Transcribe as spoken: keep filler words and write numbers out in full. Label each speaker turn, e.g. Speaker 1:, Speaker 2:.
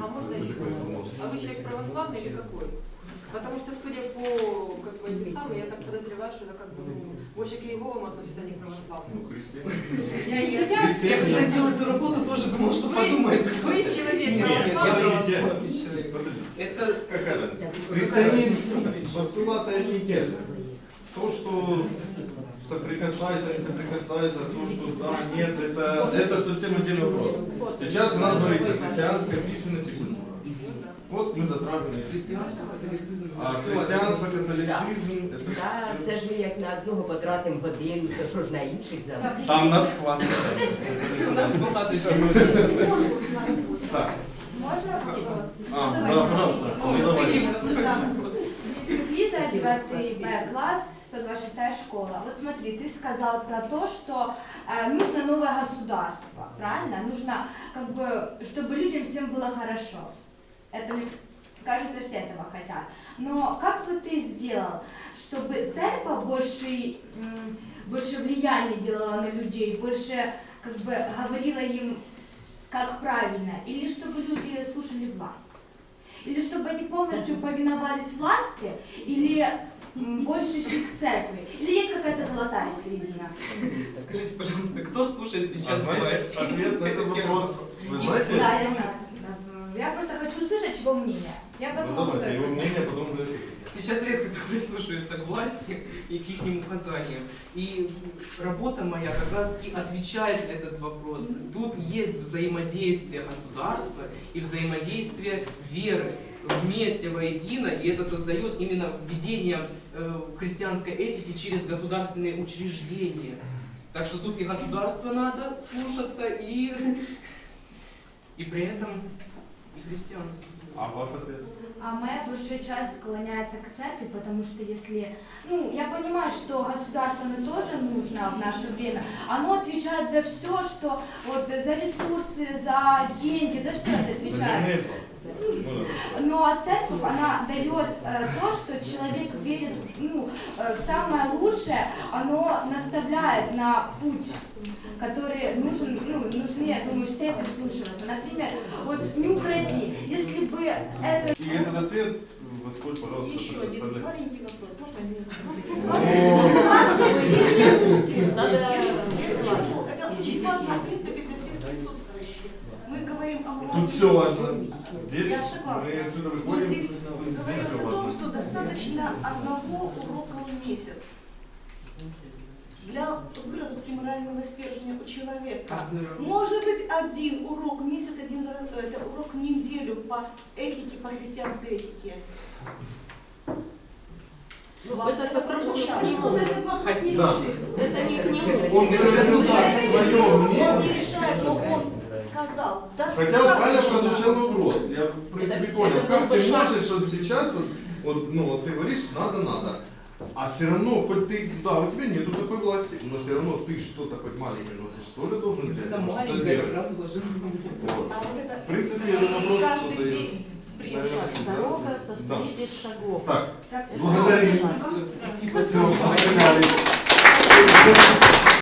Speaker 1: А можно еще? А вы человек православный или какой? Потому что, судя по как бы, этим самым, я так подозреваю, что это как бы ну, больше к Иеговым относится, а не к православным.
Speaker 2: Ну, христиане.
Speaker 1: Я, я, я,
Speaker 3: Я когда делал эту работу, тоже думал, что
Speaker 1: вы,
Speaker 3: подумает кто-то.
Speaker 1: вы человек
Speaker 3: Нет, я
Speaker 1: православный.
Speaker 3: православный человек. Это
Speaker 2: Какая разница?
Speaker 4: Христианин, постулаты одни и те же. То, что соприкасается, не соприкасается, то, что да, нет, это, это совсем отдельный вопрос. Сейчас у нас говорится христианская письменность и культура. Вот мы затрагиваем.
Speaker 3: христианство, католицизм.
Speaker 4: А християнство, католицизм, это
Speaker 5: Так, це ж ми як на одного потратимо годину, то що ж на інших залишимо?
Speaker 2: Там нас хватит.
Speaker 3: У нас багато ще.
Speaker 4: так.
Speaker 6: Можно вопрос?
Speaker 4: А, да, пожалуйста.
Speaker 3: Ой,
Speaker 4: Ну, давай.
Speaker 3: Сергей,
Speaker 6: Лиза, девятый Б класс, сто двадцать шестая школа. Вот смотри, ты сказал про то, что э, нужно новое государство, правильно? Нужно, как бы, чтобы людям всем было хорошо. Это, мне кажется, все этого хотят. Но как бы ты сделал, чтобы церковь больше, м, больше влияния делала на людей, больше, как бы, говорила им, как правильно, или чтобы люди слушали власть? Или чтобы они полностью повиновались власти, или м, больше шли к церкви? Или есть какая-то золотая середина?
Speaker 3: Скажите, пожалуйста, кто слушает
Speaker 4: А
Speaker 3: сейчас
Speaker 4: знаете,
Speaker 3: власть?
Speaker 4: ответ на этот
Speaker 3: Первый
Speaker 4: вопрос, вы знаете?
Speaker 6: Да, я знаю. Я просто хочу услышать его мнение. Я
Speaker 4: Ну
Speaker 6: потом могу
Speaker 4: давайте, его
Speaker 6: свое
Speaker 4: мнение, потом вы.
Speaker 3: Сейчас редко кто прислушивается к власти и к их указаниям. И работа моя как раз и отвечает на этот вопрос. Тут есть взаимодействие государства и взаимодействие веры вместе воедино, и это создает именно введение э, христианской этики через государственные учреждения. Так что тут и государство надо слушаться, и, и при этом и христианство.
Speaker 4: А ваш ответ?
Speaker 6: А моя большая часть склоняется к церкви, потому что если... Ну, я понимаю, что государство оно тоже нужно в наше время. Оно отвечает за все, что... Вот за ресурсы, за деньги, за все это отвечает.
Speaker 4: Ну, да.
Speaker 6: Но а церковь, она дает э, то, что человек верит ну, э, в самое лучшее, оно наставляет на путь, который нужен, ну, нужны, я думаю, все прислушиваться. Например, вот не укради, если бы это...
Speaker 4: И этот ответ, Васколь, пожалуйста,
Speaker 1: Еще один
Speaker 4: предоставляй.
Speaker 1: маленький вопрос. Можно Это очень важно, в принципе, для всех присутствующих. Мы говорим о
Speaker 4: Тут
Speaker 1: молодых.
Speaker 4: все важно. Здесь
Speaker 1: Я согласна.
Speaker 4: мы отсюда
Speaker 1: Но
Speaker 4: выходим,
Speaker 1: здесь
Speaker 4: здесь
Speaker 1: говорилось
Speaker 4: все
Speaker 1: о том,
Speaker 4: важно.
Speaker 1: что достаточно одного урока в месяц для выработки морального стержня у человека. Может быть, один урок в месяц, один это урок в неделю по этике, по христианской этике. Вам
Speaker 5: Это вопрос не к нему.
Speaker 1: Он этот вопрос не
Speaker 3: Хотим.
Speaker 4: Да.
Speaker 1: решит.
Speaker 5: Это не к нему.
Speaker 4: Он не выразил свое
Speaker 1: Он не
Speaker 4: мнение.
Speaker 1: решает, но он сказал.
Speaker 4: Хотя вот правильно прозвучал вопрос. Я в принципе
Speaker 5: Это-
Speaker 4: понял.
Speaker 5: это
Speaker 4: Как
Speaker 5: был бы
Speaker 4: ты
Speaker 5: шаг.
Speaker 4: можешь вот сейчас, вот, вот, ну вот ты говоришь, надо, надо. А все равно, хоть ты, да, у тебя нету такой власти, но все равно ты что-то хоть маленькое, но ты же тоже должен
Speaker 3: Вот
Speaker 4: для
Speaker 3: это
Speaker 4: этого что-то
Speaker 3: маленькое
Speaker 4: сделать.
Speaker 3: как раз вложено.
Speaker 4: Вот.
Speaker 1: А вот это
Speaker 4: В принципе, этот вопрос
Speaker 1: каждый
Speaker 4: задает.
Speaker 1: день
Speaker 4: Наверное,
Speaker 1: приезжает.
Speaker 4: да.
Speaker 5: Дорога состоит из шагов.
Speaker 4: Так,
Speaker 6: Как
Speaker 4: благодарим.
Speaker 3: Все, спасибо.
Speaker 4: Все, остановились.